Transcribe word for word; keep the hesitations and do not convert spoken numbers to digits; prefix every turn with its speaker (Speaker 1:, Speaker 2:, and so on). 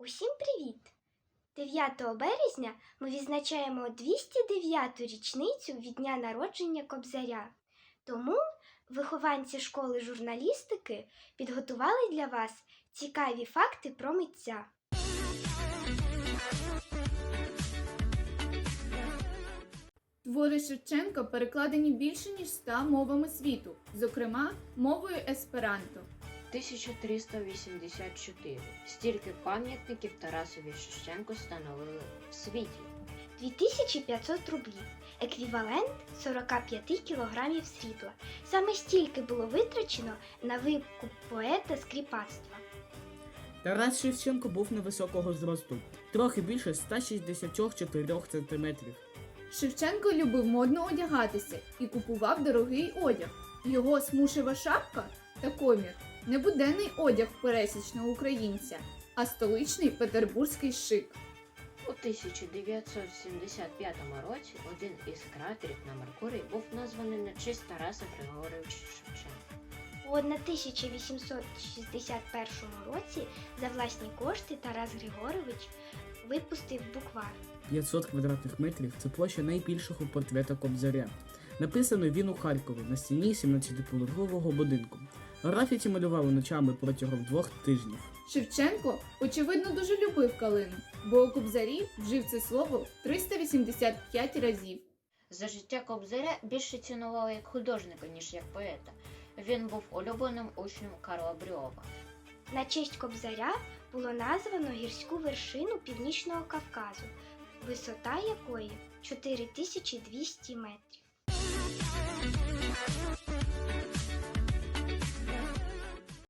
Speaker 1: Усім привіт! дев'ятого березня ми відзначаємо двісті дев'яту річницю від дня народження Кобзаря. Тому вихованці школи журналістики підготували для вас цікаві факти про митця.
Speaker 2: Твори Шевченка перекладені більше ніж ста мовами світу, зокрема мовою есперанто.
Speaker 3: тисяча триста вісімдесят чотири. Стільки пам'ятників Тарасові Шевченку встановили в світі.
Speaker 1: дві тисячі п'ятсот рублів, еквівалент сорок п'ять кілограмів срібла. Саме стільки було витрачено на викуп поета з кріпацтва.
Speaker 4: Тарас Шевченко був невисокого зросту, трохи більше ста шістдесят чотири сантиметрів.
Speaker 2: Шевченко любив модно одягатися і купував дорогий одяг. Його смушева шапка та комір – не буденний одяг пересічного українця, а столичний петербурзький шик.
Speaker 3: У тисяча дев'ятсот сімдесят п'ятому році один із кратерів на Меркурії був названий на честь Тараса Григоровича Шевченка.
Speaker 1: У тисяча вісімсот шістдесят першому році за власні кошти Тарас Григорович випустив буквар.
Speaker 4: п'ятсот квадратних метрів – це площа найбільшого портрета Кобзаря. Написано він у Харкові на стіні сімнадцятиповерхового будинку. Графіті малювали ночами протягом двох тижнів.
Speaker 2: Шевченко, очевидно, дуже любив калину, бо у Кобзарі вжив це слово триста вісімдесят п'ять разів.
Speaker 3: За життя Кобзаря більше цінували як художника, ніж як поета. Він був улюбленим учнем Карла Брюлова.
Speaker 1: На честь Кобзаря було названо гірську вершину Північного Кавказу, висота якої чотири тисячі двісті метрів.